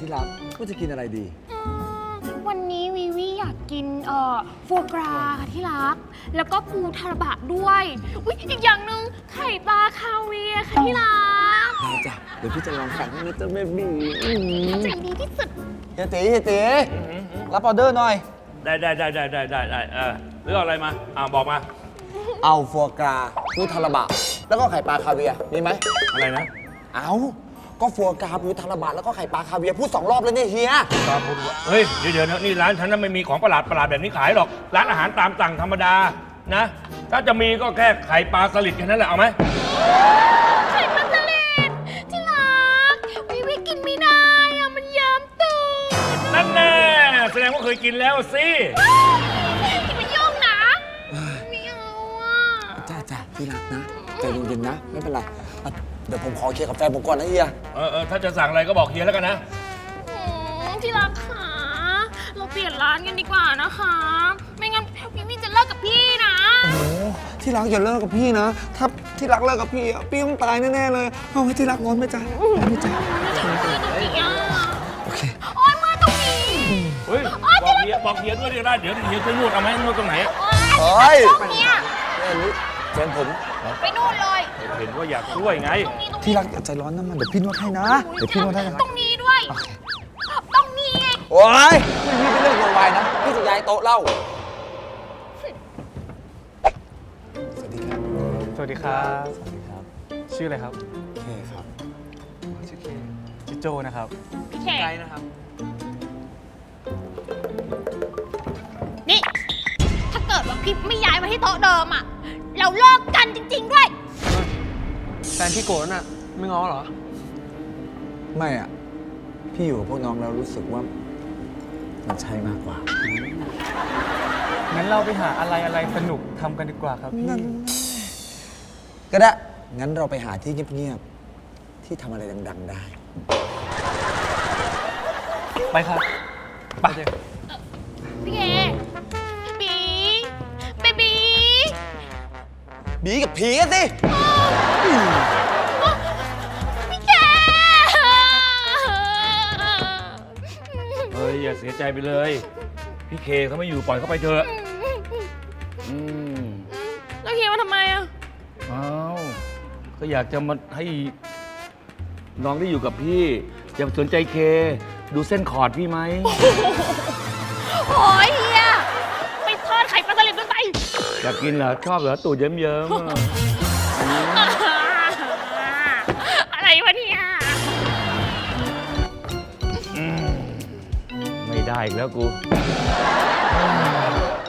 ที่รักว่าจะกินอะไรดีวันนี้วีวีอยากกินโฟกราค่ะที่รักแล้วก็ปูทาราบะด้วยอุ๊ยอีกอย่างหนึ่งไข่ปลาคาเวียร์ค่ะที่รักได้จ้ะเดี๋ยวพี่จะลองสั่งให้นะจ๊ะแม่บีใจดีที่สุดเฮียตีรับออเดอร์หน่อยได้เรื่องอะไรมาบอกมาเอาฟัวกราปูทาราบะแล้วก็ไข่ปลาคาเวียร์มีไหมอะไรนะเอาก็ฟัวกราปูทาราบะแล้วก็ไข่ปลาคาเวียร์พูด2 รอบแล้วเนี่ยเฮียตาพูดว่าเฮ้ยเดี๋ยวนี่ร้านฉันนั้นไม่มีของประหลาดแบบนี้ขายหรอกร้านอาหารตามสั่งธรรมดานะถ้าจะมีก็แค่ไข่ปลาสลิดแค่นั้นแหละเอาไหมไข่ปลาสลิดที่รักวีวีกินไม่ได้อะมันเยิ้มตูดนั่นแน่แสดงว่าเคยกินแล้วสิที่มันยุ่งนะไม่เอาจ้าที่รักนะใจเย็นๆนะไม่เป็นไรเดี๋ยวผมขอเคลียร์กับแฟนผมก่อนนะเฮียถ้าจะสั่งอะไรก็บอกเฮียแล้วกันนะที่รักค่ะเราเปลี่ยนร้านกันดีกว่านะคะไม่งั้นพี่จะเลิกกับพี่นะโอ้ที่รักอย่าเลิกกับพี่นะถ้าที่รักเลิกกับพี่พี่ต้องตายแน่ๆเลยเอาให้ที่รักร้อนไหมจ๊ะร้อนไหมจ๊ะโอเคโอ๊ยมาตรงนี้เฮ้ยบอกเฮียด้วยได้เดี๋ยวเฮียจะนวดเอาไหมนวดตรงไหนเฮ้ยตรงนี้แฟนผมไปนู่นเลยเห็นว่าอยากช่วยไงที่รักอย่าใจร้อนนะมันเดี๋ยวพี่นวดให้นะเดี๋ยวพี่นวดให้ตรงนี้ด้วยตรงนี้ไงโอ๊ยพี่ไม่เลิกโวยวายนะพี่จะย้ายโต๊ะเล่าสวัสดีครับสวัสดีครับชื่ออะไรครับเคครับชื่อเคชื่อโจนะครับพี่เคไกด์นะครับนี่ถ้าเกิดว่าพี่ไม่ย้ายมาที่โต๊ะเดิมอ่ะเราเลิกกันจริงๆด้วยแฟนพี่โกรธน่ะไม่ง้อเหรอไม่อ่ะพี่อยู่กับพวกน้องแล้วรู้สึกว่ามันใช่มากกว่างั้นเราไปหาอะไรสนุกทำกันดีกว่าครับพี่ก็ได้งั้นเราไปหาที่เงียบๆที่ทำอะไรดังๆได้ไปครับไปพี่เคบีกับผีกันสิพี่แกเฮ้ยอย่าเสียใจไปเลยพี่เคเขาไม่อยู่ปล่อยเขาไปเถอะแล้วเคมาทำไมอ่ะก็อยากจะมาให้น้องได้อยู่กับพี่อย่าสนใจเคดูเส้นขอดพี่ไหมโอ้ยเฮียไปทอดไข่ปลาสลิดด้วยไปอยากกินเหรอชอบเหรอตูดเยิ้มอะไรวะเนี่ยไม่ได้อีกแล้วกู